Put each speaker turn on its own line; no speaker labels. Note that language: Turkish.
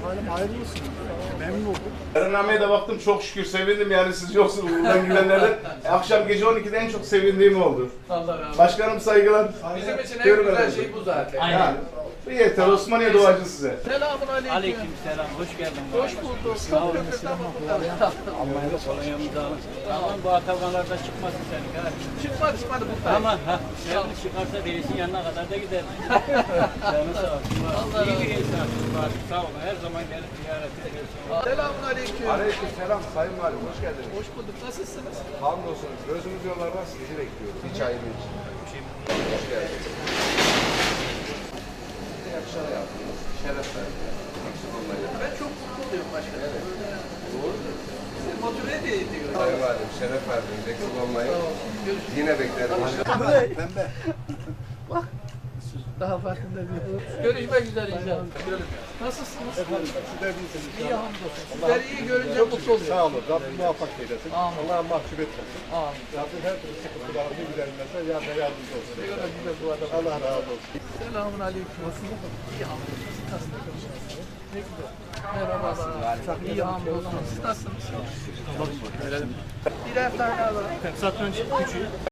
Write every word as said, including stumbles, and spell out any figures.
Halim hayırlısı. Memnun oldum.
Beraberliğe de baktım, çok şükür sevindim yani siz yoksunuz buradan gidenlerden. Akşam gece on ikide en çok sevindiğim oldu.
Allah razı olsun.
Başkanım saygılar.
Bizim için en
Görün
güzel
efendim.
şey bu zaten.
Aynen.
Yani bu yeter, Osmaniye doğacı size.
Selamun aleyküm.
Aleyküm selam, hoş geldin.
Hoş bulduk. Çok köprüden burada.
Almanya'da kolonyamızı alın. Aman bu atakanlarda çıkmasın senin ha.
Çıkma çıkmadı burada.
Aman ha, nerede çıkarsa değilsin yanına kadar da gider. Canı sağ olsun.
Allah
İyi
razı
bir insansın Fatih, sağ olun. Her zaman gelip ziyaret ediyorsun.
Selamun aleyküm.
Aleyküm selam Sayın Valim, hoş geldiniz.
Hoş bulduk. Nasılsınız?
Hamdolsun, gözümüz yollarda sizi bekliyoruz. Hiç ayrı için. Hoş geldiniz. Size yakışan yaptınız, şeref verdiniz. Eksik olmayın.
Ben çok mutlu oluyorum başkanım. Böyle
Doğrudur.
sizi motive de ediyor.
Sayın Valim, şeref verdiniz, eksik olmayın.
Sağ olun. Görüşürüz.
Yine beklerim.
Pembe.
Daha farkında değil. Görüşmek üzere inşallah. Nasılsınız?
Efendim sizler iyisiniz.
İyi hamdolsun. Sizleri iyi görünce mutlu oluyorum.
Sağ olun. Rabbim muvaffak eylesin.
Amin.
Allah'a mahcup etmesin.
Amin.
Rabbim her türlü sıkıntılarını gidermese yardım yardımcı olsun.
Ne kadar güzel bu adam.
Allah razı olsun.
Selamun aleyküm. Nasılsınız? İyi hamdolsun. Siz nasılsınız? Ne güzel. Merhabalar. İyi hamdolsun. Siz nasılsınız? Birer tane alalım.
Satranç küçüğü.